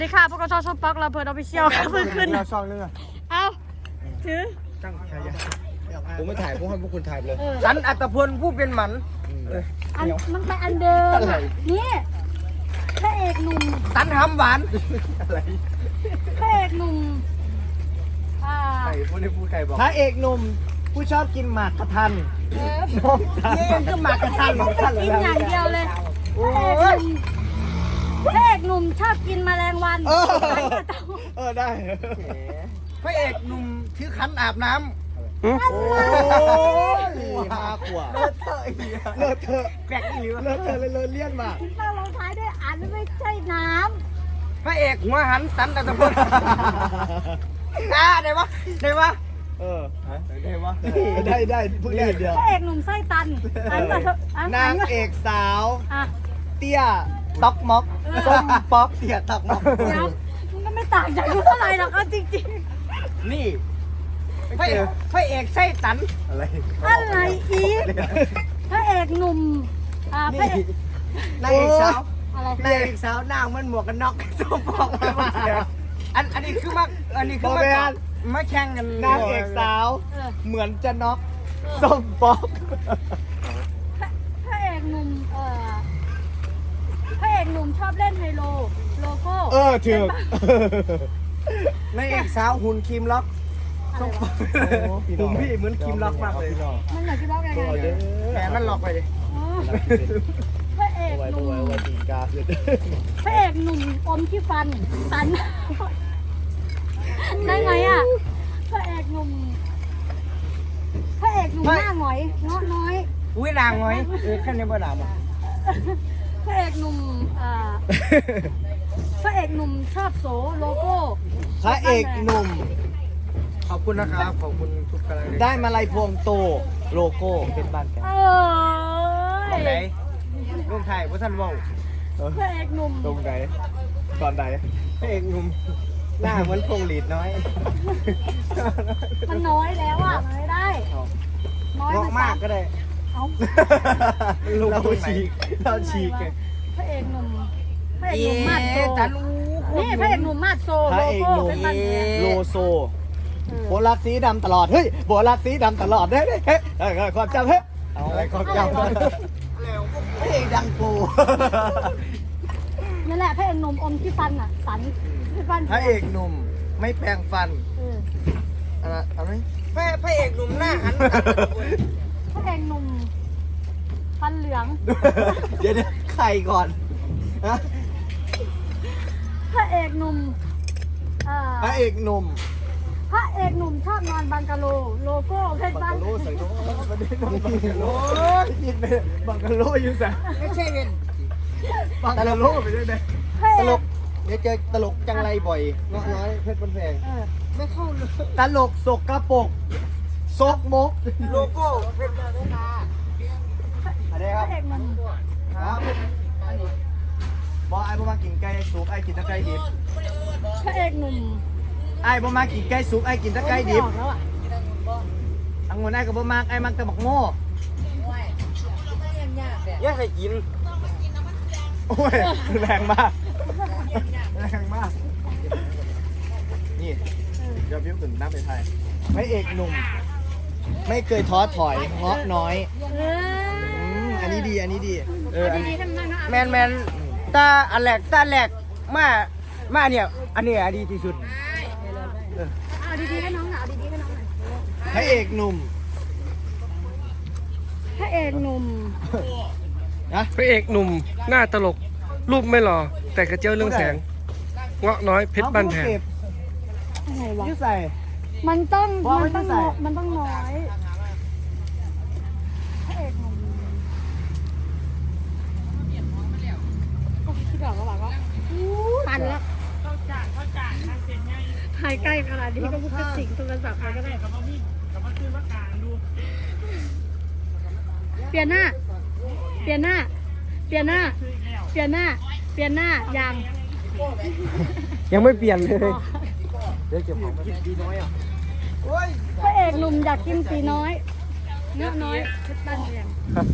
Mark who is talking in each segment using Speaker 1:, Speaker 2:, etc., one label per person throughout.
Speaker 1: สวัสดีค่ะพวกเราชอบป๊อกเราเปิดออฟฟิเชียลค่ะเพิ่งขึ้น
Speaker 2: เราช่องนึงอ่ะ
Speaker 1: เอาถือ
Speaker 2: ตั้งใครยัง
Speaker 3: ผมไม่ถ่ายผมให้พวกคุณถ่ายเลย
Speaker 2: ฉันอัตพลผู้เป็นหมัน
Speaker 1: อันมันไปอันเดิมอะนี่พระเอกหนุ่ม
Speaker 2: ตันทำหวานอะไร
Speaker 1: พระเอกหนุ่ม
Speaker 2: ใครพูดได้พูดใครบอก
Speaker 3: พระเอกหนุ่มผู้ชอบกินหมากกระทัน
Speaker 2: น้องนี่ก็หมากกระทันของท่าน
Speaker 1: กินอย่างเดียวเลย
Speaker 2: โอ้
Speaker 1: พระเอกหนุ่มชอบกินแมลงวัน
Speaker 3: ได้
Speaker 2: พระเอกหนุ่มถือขันอาบน้ำ
Speaker 3: โอ้ยห้าขวบ
Speaker 2: เลอะเทอะอีก
Speaker 3: เลิศเถอะ
Speaker 2: แกรกอีก
Speaker 3: เลิศเถอะเลยเลี่ยนมาก
Speaker 1: ป้าลงท้ายด้วยอันไม่ใช่น้
Speaker 2: พระเอกหัวหันตันอัตพลได้ปะได้ปะ
Speaker 3: เออ
Speaker 2: ได้ปะ
Speaker 3: ได้พูดได้เดียว
Speaker 1: ำพระเอกหนุ่มไส้ตันอันแบบอัน
Speaker 3: นางเอกสาว
Speaker 1: อ่ะ
Speaker 3: เตี้ยต๊อกม็อกส้มป๊อกเตี้ยต๊อกม็อก
Speaker 1: เดี๋ยวมันก็ไม่ต่างจากกูเท่าไหร่หรอกเอาจริง
Speaker 2: นี่พระเอกไส้ตัน
Speaker 3: อะไร
Speaker 1: ๆอะไรอีกพระเอกหนุ่มพระเอก
Speaker 2: นางเอกสาว
Speaker 1: อะไร
Speaker 2: นางเอกสาวหน้ามันหมวกกันน็อกส้มปอกอันนี้คือมามาแข่งกัน
Speaker 3: นางเอกสาว
Speaker 1: เออ
Speaker 3: เหมือนจะน็อกส้มป๊อก
Speaker 1: พระเอกหนุ่มพระเอกหนุ่มชอบเล่นไฮโลโลโก้
Speaker 3: ถูก
Speaker 2: นางเอกสาวหุ่นครีมล็อก
Speaker 1: อะไรวะ
Speaker 2: หุ่นพี่เหมือนครีมล็อกมากเลย
Speaker 1: มันอยากจะบอกยังไง
Speaker 2: แขนมันล็อกไปเลย
Speaker 1: อ๋อพระเอกหนุ่ม
Speaker 3: ตีกาเลย
Speaker 1: พระเอกหนุ่มอมที่ฟันตันได้ไงอ่ะพระเอกหนุ่มหน้าหงอยเงาะน้อย
Speaker 2: อุ้ยนางไว้แค่นี้บ่ด่ามั้ง
Speaker 1: พระเอกหนุ่มพระเอกหนุ่มชอบโสโลโก้
Speaker 3: พระเอกหนุ่ม
Speaker 2: ขอบคุณนะครับขอบคุณทุกกำลังใจ
Speaker 3: ได้มาลัยพวงโตโลโก้เป็นบ้านแก
Speaker 2: ตรงไหนลุงไทยพระท่านว่า
Speaker 1: พระเอกหนุ่ม
Speaker 3: ตรงไหนตอนไหน
Speaker 2: พระเอกหนุ่มหน้าเหมือนพงหลีดน้อย
Speaker 1: มันน้อยแล้วอ่ะมันไม่ได้น้อย
Speaker 2: งอกมากก็ได้
Speaker 1: เอา
Speaker 3: เราฉีกเราฉีกไง
Speaker 1: พระเอกหนุ่มพระเอกหนุ่มมาดโซ
Speaker 2: ตัน
Speaker 1: นี่พระเอกหนุ่มมาดโซ
Speaker 3: พ
Speaker 1: โล
Speaker 3: ระเอก
Speaker 1: โก้
Speaker 3: หนุ่ม
Speaker 1: เป็นบ้านแก
Speaker 3: โลโซโบลักสีดำตลอดเฮ้ยโบลักสีดำตลอดเฮ้ยเฮ้ยความจำเฮ้ยอะไรความจำพระเอกดังปู
Speaker 1: นั่นแหละพระเอกหนุ่มอมที่ฟันอ่ะสันที่ฟัน
Speaker 3: พระเอกหนุ่มไม่แปรงฟัน
Speaker 2: อะไรพระเอกหนุ่มหน้าหัน
Speaker 1: พระเอกหนุ่มฟันเหลือง
Speaker 3: เดี๋ยวใครก่อนฮะ
Speaker 1: พระเอกหนุ่ม
Speaker 3: พระเอกหนุ่ม
Speaker 1: พระเอกหนุ่มชอบนอนบังกะโลโลโก้เพชรบ้าน
Speaker 3: บังกะโลใส่โน้บังกะโลยินไปบังกะโลอยู่ใส่
Speaker 2: ไม่ใช่เป็น
Speaker 3: บังกะโลไปด้วยนะ
Speaker 1: พระเอ
Speaker 3: ตล
Speaker 1: ก
Speaker 3: กเดี๋ยวเจอตลกจังไรบ่อยเงาะน้อยเพชรบนแพง
Speaker 2: ไม่เข้าเลย
Speaker 3: ตลกสกกระปกซกมก
Speaker 2: โลโก้เป็นแบบนี้นะ
Speaker 3: อะไร
Speaker 1: พ
Speaker 3: ครับ
Speaker 1: ระเอกหนุ่ม
Speaker 3: ครับบอกไอ้บ่มากินไก่สุกไอ้กินตะไคร้ดิบ
Speaker 1: พระเอกหนุ่ม
Speaker 3: ไอ้บ่มากินไก่สุกไอ้กินตะไคร้ดิบ
Speaker 1: ออกแล้วอ่ะ
Speaker 3: อังวนไอ้ก็บ่มากไอ้มักแต่บักโง่
Speaker 2: อย่าให้กิน
Speaker 3: โอ้ยแรงมากแรงมากนี่เดี๋ยวพี่ขึ้นน้ำไปไทยพระเอกหนุ่ม ไม่เคยท้อถอยเงาะน้อย อันนี้ดีอันนี้ดีอันนี้
Speaker 2: แมนตาอันแรกมาเนี่ยอันนี้ดีที่สุด
Speaker 1: เอาดีๆให้น้องหน่อยเอาดีๆให้น้องหน่อย
Speaker 3: พระเอกหนุ่ม
Speaker 1: พระเอกหนุ่ม
Speaker 3: นะ
Speaker 4: พระเอกหนุ่มหน้าตลก รูปไม่หล่อแต่กระเจียวเรื่องแสง เงาะน้อยเพชรบ้านแพง
Speaker 1: อะไรวะ
Speaker 3: ยืดใส่
Speaker 1: มันต้อง
Speaker 3: ว่าไม่
Speaker 1: มันต้อง
Speaker 3: ใส่
Speaker 1: มันต้องน้อยพระเอกหนุ่มโอ้คิดออกแล้วว่าตันแล้วถ่ายใกล้ขนาดนี้ก็พูดกระสิงโทรศัพท์ไปก็ได้เปลี่ยนหน้าเปลี่ยนหน้าเปลี่ยนหน้าเปลี่ยนหน้าเปลี่ยนหน้ายัง
Speaker 2: ยังไม่เปลี่ยนเลย
Speaker 3: เดี๋ยวเก็บของกินดีน้อยอ่ะ
Speaker 1: พระเอกหนุ่มอยากกินสีน้อยเนื้อน้อยเพชรบ้านแพง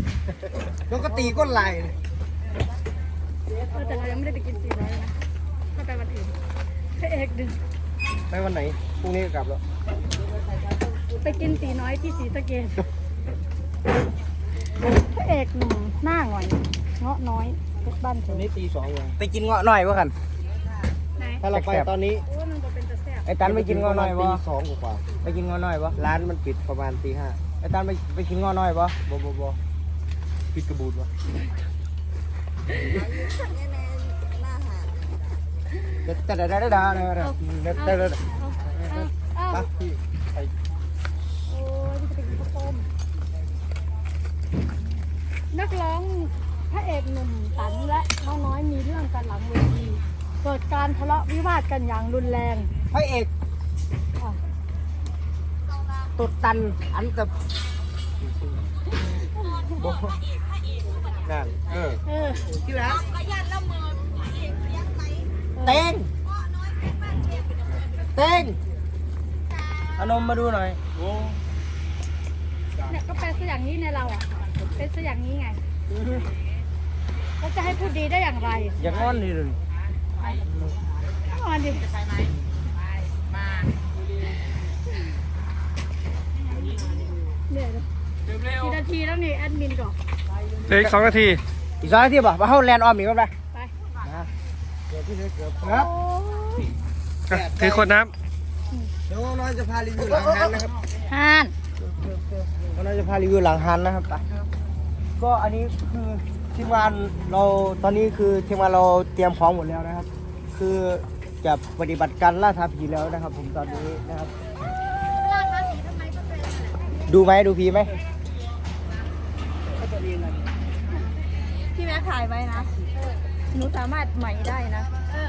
Speaker 2: แล้วก็ตีก้นไหล
Speaker 1: แต่เรายังไม่ได้ไปกินสีน้อยเลยนะไม่ไปวันอื่นพระเอกดึง
Speaker 3: ไปวันไหนพรุ่งนี้ก็กลับแล้ว
Speaker 1: ไปกินตีน้อยที่ศรีสะเกษพระเอกหนุ่มหน้าหงอยเงาะน้อยเพชรบ้านเธ
Speaker 3: วั
Speaker 1: อน
Speaker 3: นี้ตี2เลย
Speaker 2: ไปกินเงาะหน่อยวะกัน
Speaker 1: ไหน
Speaker 3: ถ้าเราไปตอนนี้
Speaker 1: โอ้มันก็เป็นตะแซ่บ
Speaker 2: ไอ้ตันไปกินเงาะหน่อยวะ
Speaker 3: ตี 2กว่า
Speaker 2: ไปกินเงาะหน่อยวะ
Speaker 3: ร้านมันปิดประมาณตี 5
Speaker 2: ไอ้ตันไปกินเงาะหน่อยวะ
Speaker 3: บ่ปิดกระบูดวะแต่ไปพี่ไป
Speaker 1: โอ้ยมันจะไปกินข้าวต้มนักร้องพระเอกหนุ่มตันและน้องน้อยมีเรื่องกันหลังเวทีเกิดการทะเลาะวิวาทกันอย่างรุนแรง
Speaker 2: พระเอก
Speaker 1: อ่ะ
Speaker 2: ตุดตันอันแต่
Speaker 3: นั่น
Speaker 1: เออ
Speaker 2: ที่แล้วเต้งเต้งเอานมมาดูหน่อย
Speaker 1: เนี่ยก็เป็นซะอย่างนี้ในเราอ่ะเป็นซะอย่างนี้ไงแล้วจะให้พูดดีได้อย่างไร
Speaker 2: อย่างงอนดิเลย
Speaker 1: นอนดิเนี่ยกี่นาทีแล้วนี่แอดมินก่อน
Speaker 4: เหลืออีก2 นาที
Speaker 2: อีก2 นาทีป่ะมาเข้าแลนด์ออมอีกกันไป
Speaker 1: ไป
Speaker 2: ครับ
Speaker 1: โอ้ย
Speaker 4: ถือขวดน้
Speaker 3: เดี๋ยวน้อยจะพารีวิวหลังฮันนะครับ
Speaker 1: ฮาน
Speaker 2: เราจะพารีวิวหลังฮันนะครับไปก็อันนี้คือทีมงานเราตอนนี้คือทีมงานเราเตรียมพร้อมหมดแล้วนะครับ คือจะปฏิบัติการล่าท้าผีแล้วนะครับ ผมตอนนี้นะครับ ดูไหมดูผีไหม
Speaker 5: พี่แม่ถ่ายไว้นะ หนูสามารถใหม่ได้นะ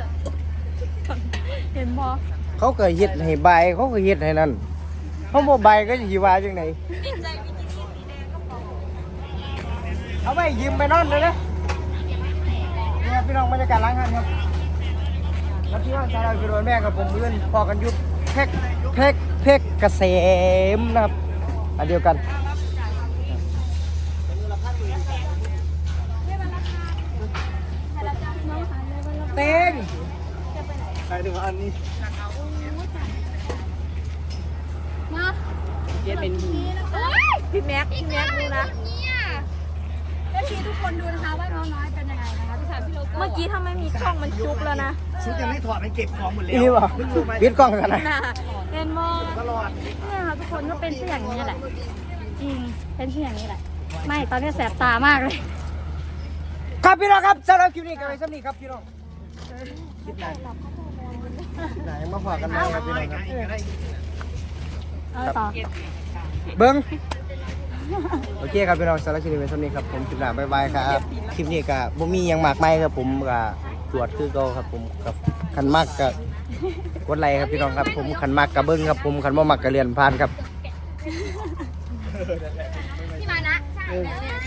Speaker 5: เห็นบอ
Speaker 2: เขาเกิดเฮ็ดให้ใบเขาก็เฮ็ดให้นั่นเขาบ่ใบก็จะสิว่าจังไดเอาไปยืมไปนอนเลยนะนี่ครับพี่น้องบรรยากาศร้านอาหารครับแล้วพี่น้องชาวเราคือโดนแม่กับผมเพื่อนพอกันยุบเพกเกษมนะครับอันเดียวกันเต้ง
Speaker 3: ใครดูอันนี้
Speaker 1: มา
Speaker 5: พี่แม็กดูนะ
Speaker 1: เอฟซีทุกคนดูนะคะว่าน้องน้อยเป็นยังไงนะคะที่ถามพี่โลโก้
Speaker 5: เมื่อกี้ถ้าไม่มีกล้องมันจุกแล้วนะ
Speaker 3: ชุดยังไม่ถอดมันเก็บของหมดแล้ว
Speaker 2: นี่บ่วิดกล้องกันนะ
Speaker 5: น่ะเห็นบอ
Speaker 3: ตลอด
Speaker 1: เนี่ยค่ะทุกคนก็เป็นเช่นอย่างนี้แหละจริงเป็นเช่นอย่างนี้แหละ ไม่ตอนนี้แสบตามากเลย
Speaker 2: ครับพี่น้องครับสำหรับคลิปนี้กันไปสำนี้ครับพี่น้องไหนมาฝากกันไหมครับพี่น้องครับ
Speaker 1: เอาต่อ
Speaker 2: เบิ้งโอเคครับพี่น้องสำหรับคลิปนี้เป็นสำนี้ครับผมคลิปหน้าบ๊ายบายครับคลิปนี้ก็บ่มีหยังมากมายครับผมก็ตรวจคือเก่าครับผมกับคันมากก็กดไลค์ครับพี่น้องครับผมคันมากก็เบิ้งครับผมคันบ่มักก็เลื่อนผ่านครับ
Speaker 1: พี่มานะ